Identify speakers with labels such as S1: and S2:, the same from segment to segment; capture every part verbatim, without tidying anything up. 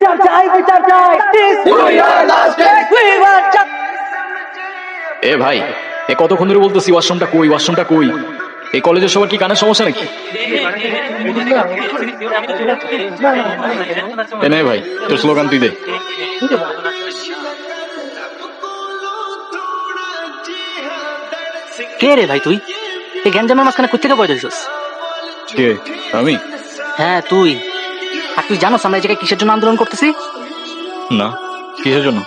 S1: বিচার চাই বিচার চাই
S2: এ ভাই এ কতক্ষণ ধরে বলতেছি ওয়াশরুমটা কই ওয়াশরুমটা কই। এই কলেজের সবার কি কানের সমস্যা নাকি? এ নে ভাই তোর স্লোগান তুই দে।
S1: কে রে ভাই তুই? এই গ্যাঞ্জামের মাঝখানে কোথেকে পয়দা দিছিস?
S2: কে? আমি?
S1: হ্যাঁ তুই। আর তুই জানোস আমরা এই জায়গায় কিসের জন্য আন্দোলন করতেছি?
S2: না, কিসের জন্য?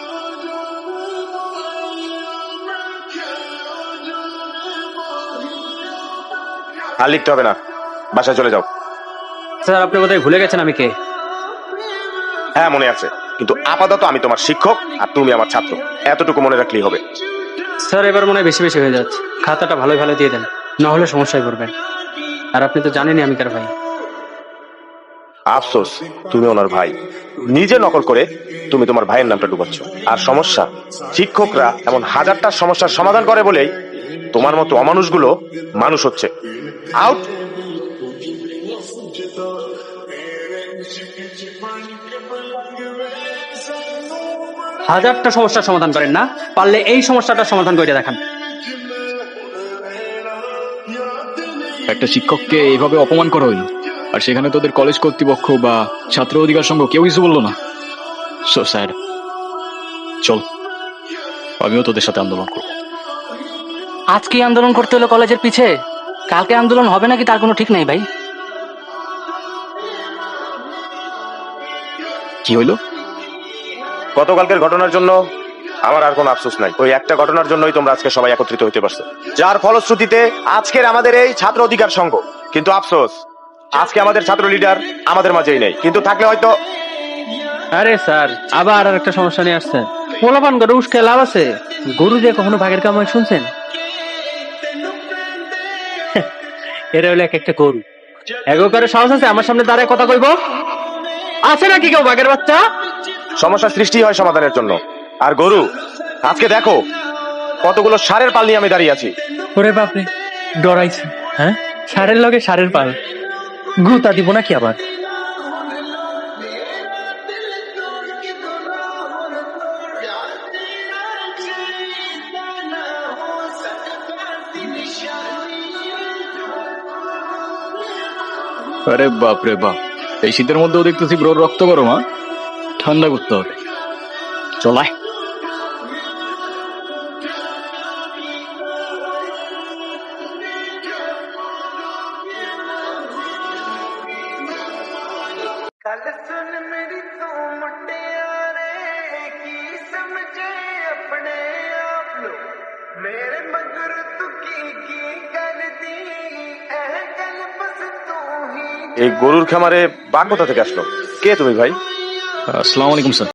S3: আর লিখতে হবে না, বাসায় চলে যাও।
S4: স্যার আপনি বোধহয় ভুলে গেছেন আমি কে।
S3: হ্যাঁ মনে আছে, কিন্তু আপাতত আমি তোমার শিক্ষক আর তুমি আমার ছাত্র, এতটুকু মনে রাখলেই হবে।
S4: স্যার এবার মনে হয় বেশি বেশি হয়ে যাচ্ছে, খাতাটা ভালোই ভালো দিয়ে দেন, না হলে সমস্যায় পড়বেন। আর আপনি তো জানেনই আমি কার ভাই।
S3: আফসোস তুমি ওনার ভাই, নিজে নকল করে তুমি তোমার ভাইয়ের নামটা ডুবাচ্ছ। আর সমস্যা, শিক্ষকরা এমন হাজারটা সমস্যার সমাধান করে বলেই তোমার মতো অমানুষগুলো মানুষ হচ্ছে। আউট।
S4: হাজারটা সমস্যার সমাধান করেন না, পারলে এই সমস্যাটার সমাধান করে দেখান।
S2: একটা শিক্ষককে এইভাবে অপমান করা হইল, আর সেখানে তোদের কলেজ কর্তৃপক্ষ বা ছাত্র অধিকার সংঘ কেউ কিছু বললো না। So sad. চল আমিও তোদের সাথে আন্দোলন করব।
S1: আজকে আন্দোলন করতে হলো কলেজের পিছে, কালকে আন্দোলন হবে নাকি তার কোনো ঠিক নাই ভাই।
S2: কি হইলো?
S3: গতকালকের ঘটনার জন্য আমার আর কোনো আফসোস নাই। ওই একটা ঘটনার জন্যই তোমরা আজকে সবাই একত্রিত হতে পারছো, যার ফলশ্রুতিতে আজকের আমাদের এই ছাত্র অধিকার সংঘ। কিন্তু আফসোস আজকে আমাদের ছাত্র লিডার আমাদের মাঝেই নেই, কিন্তু থাকলে হয়তো।
S4: আরে স্যার আবার আর একটা সমস্যা নিয়ে আসছেন। পোলাপান করে উস্কে লাভ আছে? গরু দিয়ে কখনো ভাগের কামাই শুনছেন? এরা হলো এক একটা গরু, এগো করে সাহস আছে আমার সামনে দাঁড়ায় কথা কইব? আছে নাকি কেউ বাঘের বাচ্চা?
S3: সমস্যা সৃষ্টি হয় সমাধানের জন্য। আর গরু, আজকে দেখো কতগুলো সারের পাল নিয়ে আমি দাঁড়িয়ে আছি।
S4: ওরে বাপরে, ডরাইছে। হ্যাঁ, সারের লগে সারের পাল, গুতা দিব নাকি আবার?
S2: আরে বাপ রে বাপ, এই শীতের মধ্যেও দেখতেছি ব্রোর রক্ত গরম। হ্যাঁ, ঠান্ডা করতে হবে। চলায়
S5: गल सुन मेरी तू मुटियारे की समझे अपने आप लो मेरे मगर तू की की कर दी एह गल बस तू ही।
S3: এই গরুর খামারে বাঘ কোথা থেকে আসলো? কে তুমি ভাই?
S2: আসসালামু আলাইকুম স্যার।